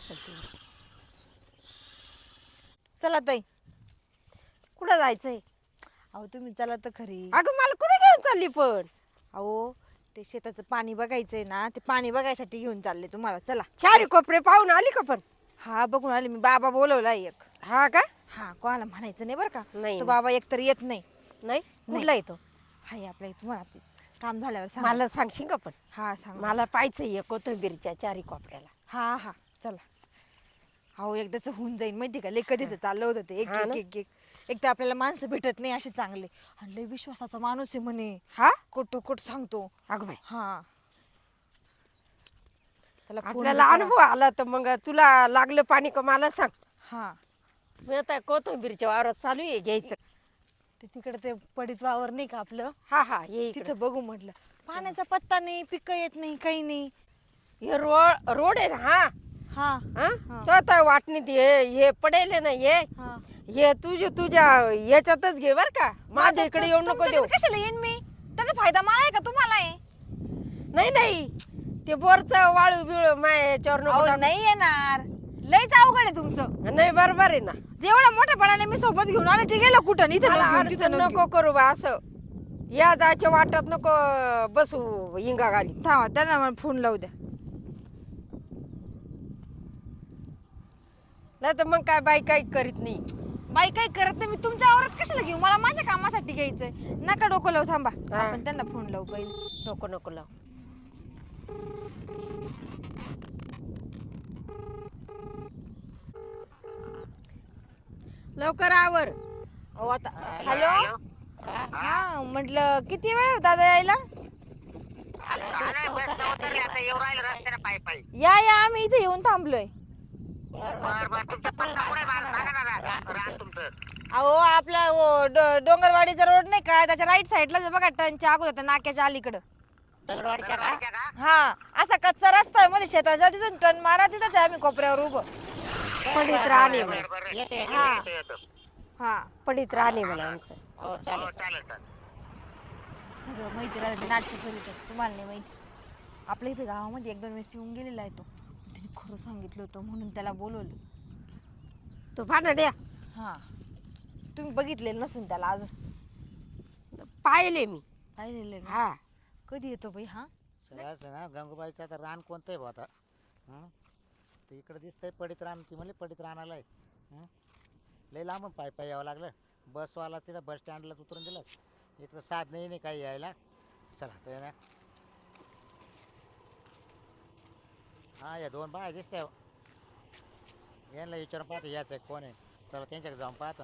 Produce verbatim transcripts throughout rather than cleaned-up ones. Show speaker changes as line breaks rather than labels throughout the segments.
असेल ती.
चला ताई.
कुठं जायचंय?
अहो तुम्ही चला तर खरी.
अगं मला कुठे घेऊन चालली पण?
अहो ते शेताचं पाणी बघायचंय ना, ते पाणी बघायसाठी घेऊन चालले तुम्हाला. चला.
चारी कोपरे पाहून आली का पण?
हा बघून आले मी. बाबा बोलवला एक.
हा का?
हा कोणाला म्हणायचं नाही बरं का.
नाही
तो
ना.
बाबा एकतर येत नाही.
नाही कुठला येतो?
हाय आपल्या इथं तुम्हाला काम झाल्यावर सांग.
मला सांगशील का पण?
हा सांग.
मला पाहायचंय कोथिंबीरच्या चारी कोपऱ्याला.
हा हा चला. अहो एकदाच होऊन जाईल माहिती का. लय कधीच चाललं होतं ते एक
हा
एक
ना.
एक एक एक तर आपल्याला माणसं भेटत नाही असे चांगले, आणि लय विश्वासाचा माणूस आहे म्हणे.
हा
कोट सांगतो.
अगं बाई,
हा त्याला फोन
आपल्याला अनुभव आला तर मग तुला लागलं पाणी का मला सांग.
हा
मी आता कोथिंबीरच्या वावरात चालू आहे घ्यायचं.
ते तिकडे ते पडीत वावर नाही का आपलं,
हा हा ये इकडं.
तिथं बघू म्हटलं. पाण्याचा पत्ता नाही, पिकं येत नाही, काही नाही.
हे रोड रोड आहे ना. हा
हा
हा
हा.
तो आता वाटणीत हे हे पडेल ना. हे
हा
हे तुझे तुझ्या याच्यातच घे बर का. माझ्या इकडे येऊ नको देऊ.
तुमच्याकडे कशाला येईन मी? त्याचा फायदा मला आहे का तुम्हाला आहे?
नाही नाही ते बोरचं वाळू बिळू माय याच्यावर नको
अहो
टाकू.
नाही येणार. लयच अवघड आहे तुमचं.
नाही बरोबर आहे ना.
जेवढ्या मोठ्यापणाने मी सोबत घेऊन आले ते गेलं कुठं? इथं
मला
नको घेऊन, तिथं
अडचण
नको
नको करू बा असं. या जायच्या वाटत नको बसू हिंगा घाली.
घेऊन. थांबा त्यांना मला फोन लावू द्या.
नाही तर मग काय बाई काही करीत नाही.
बाई काही करत नाही. मी तुमच्या आवरात कशाला घेऊ? मला माझ्या कामासाठी घ्यायचंय. नका डोकं लावू. थांबा
हा.
आपण त्यांना फोन लावू पहिले.
नको नको लाव. लवकर आवर.
अहो आता हॅलो. हा म्हटलं किती वेळ दादा यायला? या या आम्ही इथे येऊन थांबलोय. अहो आपला ओ डो- डोंगरवाडीचा रोड नाही का, त्याच्या राईट साईडला बघा टनच्या अगोदर नाक्याच्या अलीकडं. हा असा कच्चा रस्ता आहे मध्ये शेतात जा, तिथून टर्न मारा, तिथंच आहे आम्ही कोपऱ्यावर उभं.
पडीत राहणे म्हणा.
हा हा
पडीत राहणे म्हणा आमचं.
सगळं माहिती राहते. नाटक करीत तुम्हाला नाही माहिती. आपल्या इथे गावामध्ये एक दोन वेळेस येऊन गेलेला आहे तो. त्याने खरं सांगितलं होतं म्हणून त्याला बोलवलं.
तू भानड्या
हा तुम्ही बघितलेलं नसेल त्याला अजून.
पाहिले मी.
पाहिलेलं आहे ना?
हा
कधी येतो बाई हा?
सगळ्याच ना गंगूबाईचं आता रान कोणतं आहे भाऊ आता? हं? ते इकडं दिसतंय पडीत रान. ती म्हणली पडीत रानाला आहे. हं? लई लांबून पाय पाय यावं लागलं. बसवाला तिथं बस स्टँडलाच उतरून दिलं. इकडं साध नाही नाही काही यायला. चला तर ना. हां या दोन बाय दिसते. यांना विचारून पाहतो याच आहे कोण आहे. चला त्यांच्याकडे जाऊन पाहतो ना.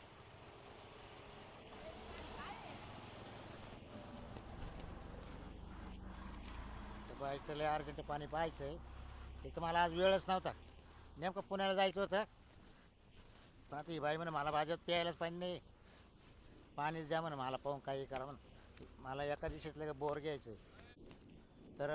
पाहायचं लय अर्जंट पाणी पाहायचं आहे. एक तर मला आज वेळच नव्हता. नेमकं पुण्याला जायचं होतं. पण आता ही बाई म्हणे मला भाज्यात प्यायलाच पाणी नाही. पाणीच द्या म्हणे मला पाहून काही करा म्हणे. मला एका दिवशीच लगे बोर घ्यायचं आहे. तर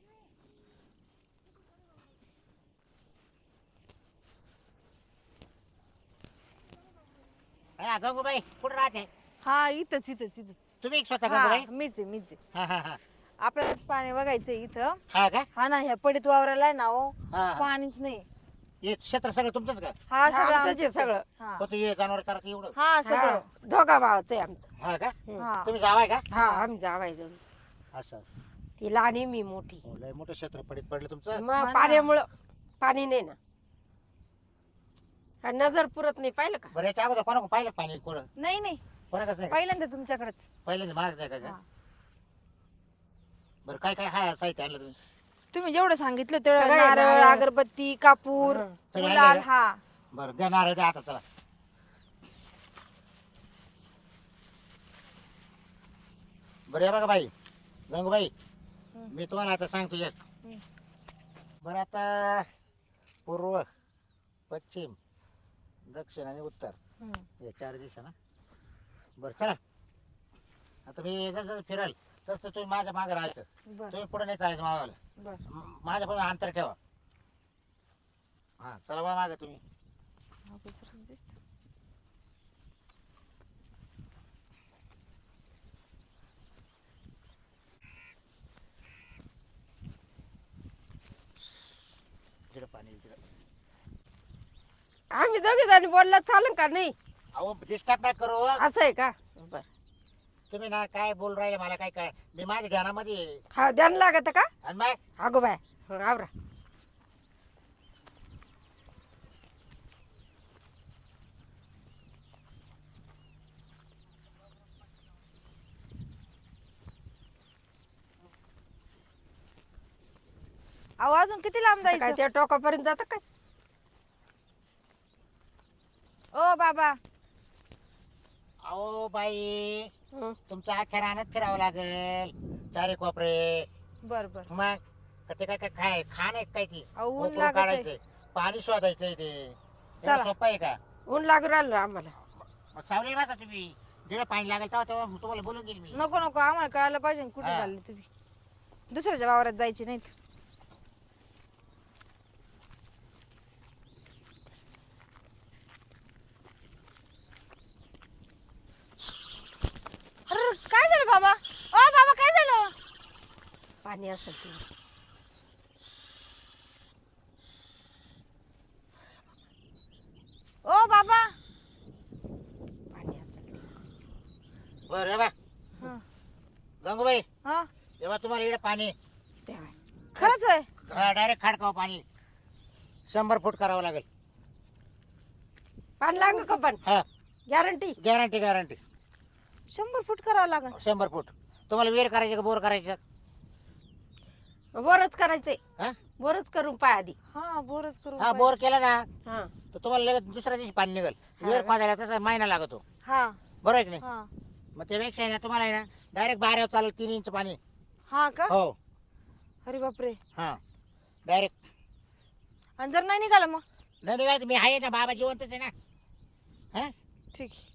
हा गंगूबाई कुठं राहते?
हा इथंच इथंच इथंच.
तुम्ही स्वतः
हा
गंगूबाई?
मीच आहे मीच आहे.
हा हा हा
आपल्यालाच पाणी बघायचंय इथं.
हा का?
हा ना ह्या पडीत वावराला आहे ना हो
हा.
पाणीच नाही.
हे क्षेत्र सगळं तुमचंच का?
हा सगळं
आमचंच आहे
आमचंच आहे.
सगळं.
हा.
होतं हे जनावर चारत एवढं?
हा सगळं.
हा, दोघा भावाचं आहे आमचं.
हा का?
हा
तुम्ही जावाय का?
हा आम्ही जावाय दोघी.
असं असं.
ती लहान आहे मी मोठी.
हो, लय मोठं क्षेत्र पडीत पडलं तुमचं.
मग
ना.
पाण्यामुळं पाणी नाही ना. हा, नजर पुरत नाही पाहिलं का?
बरं याच्या अगोदर कोणा पाहिलं पाणी कोण
नाही नाही
कोणाकच नाही का?
पहिल्यांदा तुमच्याकडेच.
पहिल्यांदा महाग नाही का?
हा.
बरं काय काय हाय साहित्य आणलं तुम्ही?
तुम्ही जेवढं सांगितलं तेवढं
सगळं
नारळ
नारळ.
अगरबत्ती कापूर
हा.
सगळं
गुलाल.
आणलंय का?
हा
बरं द्या नारळ द्या आता चला. बरं हे बघा बाई गंगूबाई मी तुम्हाला आता सांगतो एक.
हम्म.
बरं आता पूर्व पश्चिम दक्षिण आणि उत्तर
हम्म.
या चार दिशा ना. बरं चला आता मी जसं फिराल तसं तुम्ही माझ्या मागं राहायचं.
बर
तुम्ही पुढे नाही चालायचं मागायला.
बर
माझ्या पण अंतर ठेवा. हां चला बा मागं तुम्ही.
हा, गुजरात दिसतं.
इकडे पाणी इकडं.
आम्ही दोघे जणी बोलला चालेल का नाही?
अहो डिस्टर्ब नाही करू.
असं आहे का? बर.
तुम्ही ना काय बोल राहिले मला काय कळ. मी माझ्या ध्यानामध्ये आहे.
हा ध्यान लागत का?
आणि मग
अगो बाय हं, आवरा.
अहो अजून किती लांब
आता काय
जायचं?
त्या टोकापर्यंत जात काय?
ओ बाबा
अहो बाई
हं.
तुमच्या अख्ख्या रानात फिरावं लागेल चारे कोपरे.
बर बर.
मग का ते काय काय खाय खाण आहे काय ती
अहो, ऊन
उकळून
लागत आहे.
काढायचंय पाणी शोधायचंय ते
चला.
एवढं सोपं आहे का?
ऊन लागू राहिलं आम्हाला.
मग सावलीला बसा तुम्ही जेव्हा पाणी लागेल तेव्हा तेव्हा तुम्हाला बोलून घेईल मी.
नको नको आम्हाला कळायला पाहिजे ना कुठे
हा.
चालले तुम्ही. दुसऱ्याच्या वावरात जायचे नाहीत. अरे काय झालं बाबा? ओ बाबा काय झालं?
पाणी असेल ते.
ओ बाबा
पाणी असेल ते.
बरं बा
हा
गंगूबाई
हा
जेव्हा तुम्हाला इकडे पाणी
तेव्हा.
खरंच होय?
डायरेक्ट खाडकाव पाणी शंभर फूट करावं लागेल.
पाणी लागलं का पण?
हा
गॅरंटी?
गॅरंटी गॅरंटी
शंभर फूट करावं लागेल.
शंभर फूट. तुम्हाला विहीर करायची का बोर करायचं?
बोरच करायचंय.
हा
बोरच करून पाय आधी.
हा बोरच करू.
हा बोर केला ना
हा
तर तुम्हाला लगेच दुसऱ्या दिवशी पाणी निघेल.
हा.
विहीर खोदायला तसा महिना लागतो
हा
बरोबर आहे की नाही?
हा
मग त्यापेक्षा आहे ना तुम्हाला आहे ना डायरेक्ट बाऱ्यावर चालेल तीन इंच पाणी.
हा का?
हो
अरे बापरे.
हा डायरेक्ट.
आणि जर नाही निघालं मग?
नाही निघायचं मी आहे ना बाबा जिवंतच आहे ना. हा
ठीक आहे.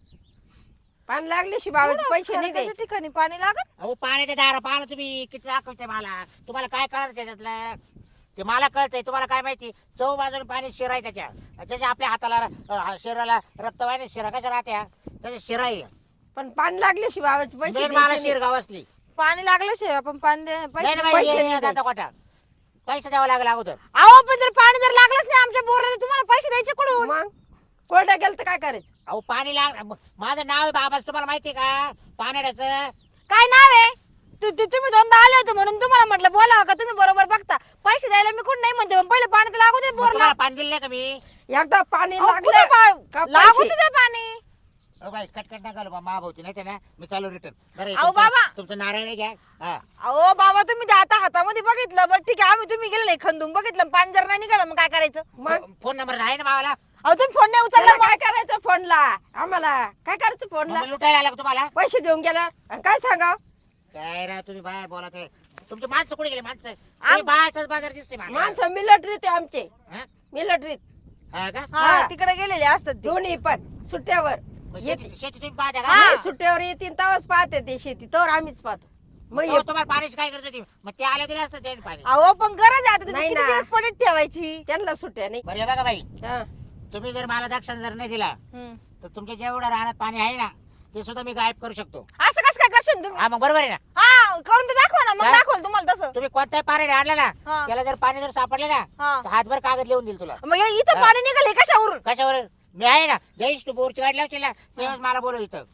पाणी लागल्याशी बाबा पैसे नाही
त्याच्या
द्यायचे.
ठिकाणी पाणी लागत.
अहो पाण्याच्या दारा पाहा तुम्ही किती दाखवते मला. तुम्हाला काय कळणार त्याच्यातलं? ते मला कळतंय तुम्हाला काय माहिती. चौ बाजूने पाणी शिरा आहे त्याच्या त्याच्या आपल्या हाताला अं, शरीराला रक्त वाहिनी शिरा कशा राहत्या त्याच्या शिरा आहे.
पण पाणी लागल्याशी बाबाचे पैसे
मेन मला
द्यायचे नाही.
शिरगाव असली
पाणी लागल्याशिवाय आपण पाणी दे- पैसे
नाही
दे-
नाही
पैसे
बाई,
नाही
ये, दादा कोटा पैसे द्यावा लागला अगोदर.
अहो पण जर पाणी जर लागलंच नाही आमच्या बोरला तुम्हाला पैसे द्यायचे कुठून?
मग कोरड्या गेलं तर काय करायचं?
अहो पाणी लाग म- माझं नाव आहे बाबा तुम्हाला माहिती आहे का पाण्याचं?
काय नाव आहे? तु- तु- तुम्ही दोनदा आले होते म्हणून तुम्हाला म्हटलं बोलावं का तुम्ही बरोबर बघता. पैसे द्यायला मी कुठं नाही म्हणते पण पहिले पाणी तर लागू दे
मग
बोरला.
तुम्हाला पाणी दिलं नाही का मी?
एकदा पाणी
अहो,
लागलं
कुठं
का
पा- लागू
पैसे?
दे ते पाणी.
अहो बाई कटकट नका बा महाभावती नाही तर ना मी चालू रिटर्न. बरं
अहो,
तुमचं-
बाबा.
तुमचं नारळ आहे घ्या. हा
अहो बाबा तुम्ही ते आता हातामध्ये बघितलं बरं ठीक आहे आम्ही तुम्ही गेले नाही खंदून बघितलं पाणी जर नाही निघालं मग काय करायचं?
मग
फो- फोन नंबर आहे ना भावाला?
अहो तुम्ही फोन नाही
त्याला
उचलला
काय करायचं फोनला? आम्हाला काय करायचं फोनला?
मग लुटायला आला का तुम्हाला?
पैसे देऊन गेला आणि काय सांगाव?
काय राव तुम्ही बाय बोलत आहे. तुमची माणसं कुठे गेली माणसं? तुम्ही बायाचाच बाजार दिसते मला.
माणसं मिलिटरीत आहे आमचे.
हा?
मिलिटरीत
हा का?
हा
हा.
तिकडे गेलेले असतात ते.
दोन्ही पण सुट्ट्यावर
मग
येते.
शेती शेती तुम्ही पाहता का?
नाही, सुट्ट्यावर येतील तेव्हाच पाहते ते शेती तर आम्हीच पाहतो. मग
तेव्हा
ये-
तुम्हाला पाण्याची काय करत होती? मग ते आले गेले असतं ते पाणी.
अहो पण गरज आहे आता त्याची
नाही
किती
ना.
दिवस पडत ठेवायची?
त्यांना सुट्ट्या नाही.
बरं हे बघा बाई
हा.
तुम्ही जर मला दक्षिण जर नाही दिला
हम्म.
तर तुमच्या जेवढं राहण्यात पाणी आहे ना ते सुद्धा मी गायब करू शकतो.
असं कसं काय करशील तुम्ही?
हा मग बरोबर आहे ना.
हा करून तर दाखवा ना मग
काय?
दाखवल तुम्हाला तसं.
तुम्ही कोणताही पाणी आणलं ना
हा.
त्याला जर पाणी जर सापडले ना
हा.
तर हातभर कागद लिहून देईल तुला.
मग हे इथं
हा.
पाणी निघाले कशावरून?
कशावर? मी आहे ना जयेश तू बोरची गाडी लावशील ना तेव्हाच मला बोलव इथं.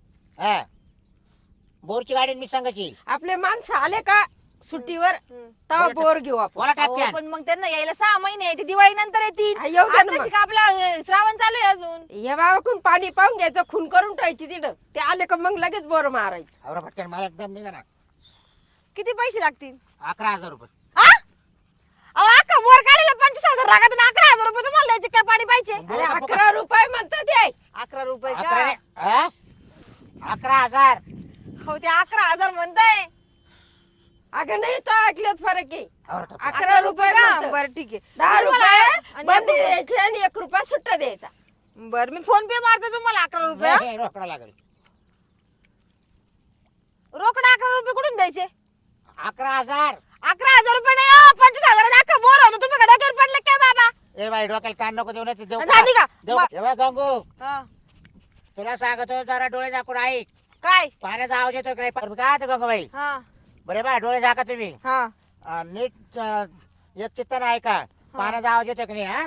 हा बोरची गाडी मी सांगायची.
आपले माणसं आले का सुट्टीवर
हम्म.
तेव्हा बोर घेऊ आपण.
बोला
अहो,
टाकते
पण मग त्यांना यायला सहा महिने आहे, ते दिवाळी नंतर येतील.
हा, येऊ द्या ना
आताशी
मग.
का आपला अं, श्रावण चालू आहे अजून.
या बाबाकडून पाणी पाहून घ्यायचं खून करून ठेवायची तिथं. ते आले का मग लगेच बोर मारायचं.
अवरा फटक्यान मला एकदम निघा ना
किती पैसे लागतील?
अकरा हजार रुपये.
हा? अहो अख्खा बोर काढायला पंचवीस हजार लागत आणि अकरा हजार रुपये तुम्हाला द्यायचे काय पाणी पाहिजे?
मग
अरे
बोर का
अकरा रुपये म्हणतात ते.
अकरा रुपये
अकरा
का?
नाही, हा? अकरा हजार.
हो ते अकरा हजार म्हणताय.
अगं नाही तर ऐकल्यात फरक आहे.
अवरा टाक.
अकरा रुपये
का?
म्हणतात.
बरं ठीक आहे.
दहा
मी तुम्हाला-
रुपये
आणि
बंदी
एक-
द्यायची आणि एक रुपया सुट्टा द्यायचा.
बरं मी फोन पे मारते तुम्हाला अकरा रुपये.
नाही, नाही, रोकडा लागेल.
रोकडा अकरा रुपये कुठून द्यायचे?
अकरा हजार.
अकरा हजार रुपये नाही हो, पंचवीस हजार अख्खा बोर होतो तुम्ही का डोक्यावर पडले काय बाबा?
ए बाई डोक्याला ताण नको देऊ ना ते देऊ
झाली का?
देऊ
मा-
ए बाई, गंगू
हा.
तुला सांगतो जरा डोळे झाकून ऐक.
काय?
पाण्याचा आवाज येतो काय काय होतं गंगूबाई?
हा
बरे बा डोळे झाका तुम्ही.
हा
अं, नीट अं, एक चित्तानं ऐका. पाण्याचा आवाज येतोय की नाही हा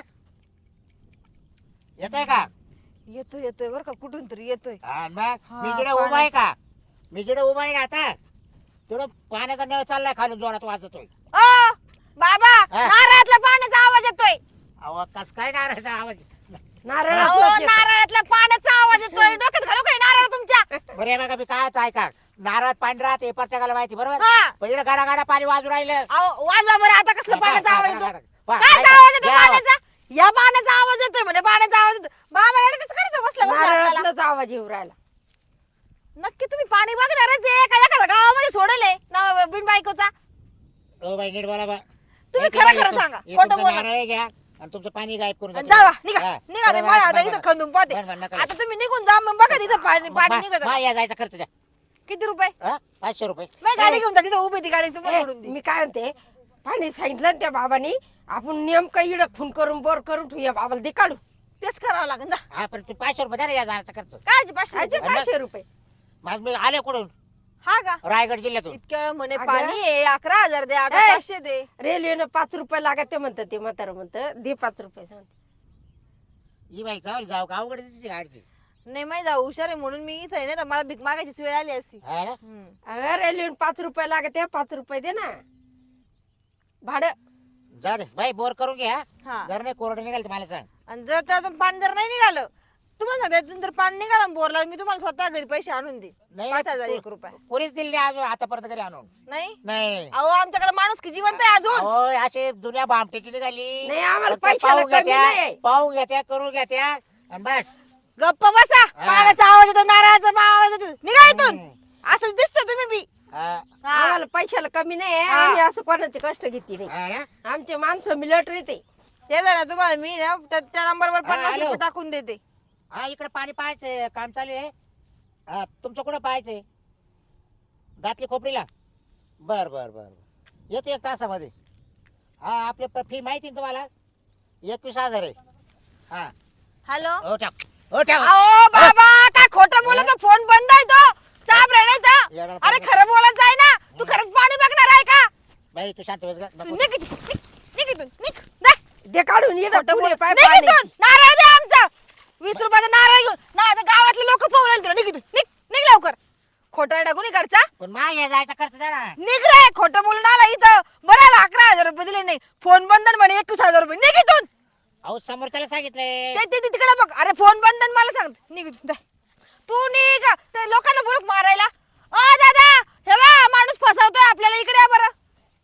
येतोय का
येतोय येतोय बरं का कुठून तरी येतोय.
हा मग
हा,
मी जिकडे उभा आहे
पाण्याचा.
का मी जिकडे उभा आहे ना आता तेवढं पाण्याचा नळ चाललाय खालून जोरात वाजतोय.
ओ बाबा
हा.
नारळातल्या पाण्याचा आवाज येतोय.
अहो कस काय नारायचा आवाज
नारळ
अहो नारळातल्या पाण्याचा आवाज येतोय. डोक्यात घालू काय नारळ तुमच्या?
बरं हे बघा मी काय होतं ऐका नारळात पाणी राहते प्रत्येकाला माहिती बरोबर
हा.
पण इकडे गाडा गाडा पाणी वाजू राहिलं
अहो वाजवा बरं आता कसला पाण्याचा आवाज येतो?
पहा,
काय
ऐका,
आवाज येतो
या आवाज.
पाण्याचा? या पाण्याचा आवाज येतोय म्हणजे पाण्याचा आवाज येतो. बाबा येण्यातच करायचं बसलं बसलं आपल्याला.
नारळातलाच आवाज येऊ राहिला.
नक्की तुम्ही पाणी बघणारच आहे का एखाद्या गावामध्ये सोडले ना बिन बायकोचा?
ओ बाई नीट बोला बा
तुम्ही
हे
खरं
तुम्हाला
खरं सांगा,
हे
खोटं
तुमचं
बोला.
नारळ घ्या आणि तुमचं पाणी गायब करून
आणि
द्या.
जावा निघा
हा.
निघा मी
बरं,
माझ्या
बरं,
आता
बरं,
इथं खंदून पाहते.
बरं, बरं, नका.
आता तुम्ही निघून जा मग बघा तिथं पाणी पाणी
मा-
निघत
मा या जायचा खर्च द्या
किती रुपये?
हा? पाचशे रुपये
मग गाडी घेऊन जा तिथं उभी ती गाडी तुम्हाला
ए,
सोडून दे.
मी काय म्हणते पाणी सांगितलं ना त्या बाबांनी आपण नेमकं इड खून करून बोर करून ठेवूया बाबाला दे काढू.
तेच करावं लागेल जा.
हा पण तू पाचशे रुपये द्या ना या जायचा खर्च
काय पाचशे
आजी
रुपये?
पाचशे रुपये.
माझ मी आले कुठून
हा का
रायगड जिल्ह्यातून
इतक्या वेळ म्हणे
अगं.
पाणी आहे अकरा हजार दे आता
ए.
पाचशे दे.
रेल्वेनं पाच रुपये लागत ते म्हणतात ते म्हातारं म्हणतं दे पाच रुपये सांगते.
ही बाई का जाऊ का अवघड दिसते गाडीची
नाही माहिती जाऊ हुशार आहे म्हणून मी इथं आहे ना तर मला भीक मागायची वेळ आली असती.
हा ना?
हम्म.
अगं रेल्वेनं पाच रुपये लागत आहे पाच रुपये दे ना भाडं.
जा दे बाई बोर करून घ्या
हा
जर नाही कोरडे निघाल तर मला सांग
आणि जर त्यातून पाणी जर नाही निघालं तुम्हाला सांगते त्यातून जर पाणी निघालं बोरला मी तुम्हाला स्वतः घरी पैसे आणून दे
नाही
पाच हजार एक रुपये.
कोणीच दिले नाही अजून आतापर्यंत घरी आणून
नाही
नाही
अहो आमच्याकडे माणूस की जिवंत आहे अजून.
अहो असे दुनिया भामटेची निघाली
नाही, आम्हाला
फक्त
पैशाला
पाहून
कमी
घेत्या
नाही.
पाहून घेत्या करून घेत्या आणि बस
गप्प बसा.
हा.
पाण्याचा आवाज येतो नारळाचा आवाज येतो निघा इथून.
हम्म.
असंच दिसतं तुम्ही बी.
हा.
हा.
आम्हाला पैशाला कमी नाही
हा.
आम्ही असं कोणाचे कष्ट घेतली नाही.
हा ना?
आमचे माणसं मिलिटरी ते
ते जरा तुम्हाला मी ना त्या त्या नंबरवर
हा,
पन्नास
हॅलो.
रुपये टाकून देते.
हा इकडे पाणी पाहायचंय काम चालू आहे हा तुमचं कुठं पाहायचंय दातली खोपडीला बर बर बर बर. येतो एक तासामध्ये हा आपले फी माहिती ना तुम्हाला एकवीस हजार आहे हा
हॅलो
हो टाक हो टाक
अहो बाबा काय खोटं बोलतो फोन बंद आहे तो चाप रेडायचा.
येणार
अरे
पाणी.
खरं बोलत जाय ना तू खरंच पाणी बघणार आहे का?
बाई तू शांत बस ग.
तू
नको.
निघ इथून, निघ निघ इथून, निघ जा.
दे काढून इकडं
खोटं
पुढे
बोल
पाय
निघ
पाणी.
इथून. नारळ दे आमचा वीस रुपयाचा नारळ घेऊन ना आता गावातले लोक पाहू राहिले तुला. निघ इथून निघ निघ लवकर. खोटा टाकून इकडचा
पण मा या जायचा खर्च द्या ना
निघ रे. खोटं बोलून आला इथं बरं आला अकरा हजार रुपये दिले नाही फोन बंधन म्हणे एकवीस हजार रुपये. निघ इथून.
अहो समोर त्याला सांगितलंय
ते ते- ते तिकडे बघ. अरे फोन बंधन मला सांग. निघ इथून जा. तू निघ ते लोकांना बोलूक मारायला. अ दादा हे बा माणूस फसवतोय आपल्याला इकडे या बरं.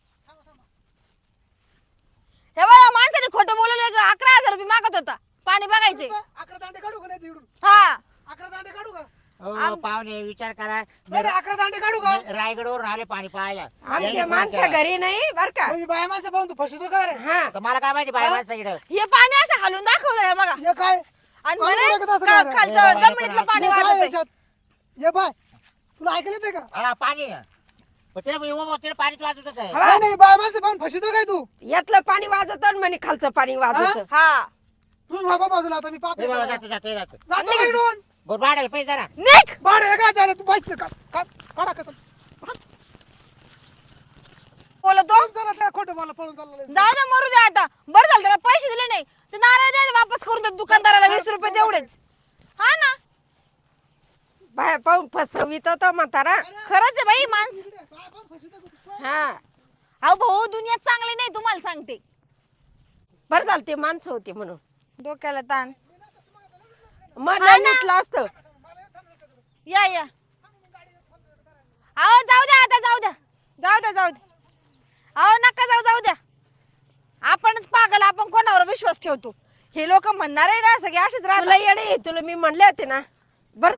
हे बा माणसाने खोटं बोलवलं अकरा हजार रुपये मागत होता पाणी बघायचे.
अकरा दांडे काढू का नाही तिकडून
हा
अकरा दांडे काढू का
हो पाहुणे विचार करा
नाही नाही, अकरा दांडे काढू का
रायगडवरून आले पाणी पाहायला
आमचे
यांनी
माणसं
फोन केला.
घरी नाही बर का.
म्हणजे बाया माणसं पाहून तू फसतो का रे
हा
तर मला काय माहिती बाय माणसं इकडं
हे पाणी असं हलवून दाखवलं हे बघा
हे काय
आणि
पाणी
म्हणे
बघत असं
का-
करा.
खालचं
हे बाबा,
जमिनीतलं पाणी
हे काय
वाजत
याच्यात? हे बाय तुला ऐकलं येते का
हा पाणी पण तिला उभं तिला पाणीच वाजत होतं
हा.
नाही नाही बाया माणसं पाहून फसतो काय तू
यातलं पाणी वाजत आणि म्हणे खालचं पाणी वाजत.
हा
तू बाबा बाजूला आता मी पाहतो
हे बाबा
जरा.
जातं जातं जातं
जातो का इकडून
बरं वाढेल पैसे जरा
निघ.
बाहेर हे काय झालं तू पाहिजे का का- काढा का
बोलतो
चला त्या खोटं मला पळून चाललं
जाऊ दे मरू दे आता. बरं झालं त्याला पैसे दिले नाही ते नारळ द्या वापस करून दे दुकानदाराला वीस रुपये तेवढेच. हा ना
बाया पाहून फसवित होता म्हातारा.
खरंच आहे बाई माणस.
हा
अहो भाऊ दुनियात चांगली नाही तुम्हाला सांगते.
बरं झालं ते माणसं होते म्हणून
डोक्याला ताण.
मन
हा ना.
लुटलं असतं.
या या अहो जाऊ द्या आता जाऊ द्या जाऊ द्या जाऊ द्या. अहो नका जाऊ जाऊ द्या. आपणच पागल आपण कोणावर विश्वास ठेवतो. हे लोक म्हणणार आहे ना सगळे असेच
तुला
राहतात.
येडे तुला मी म्हणले होते ना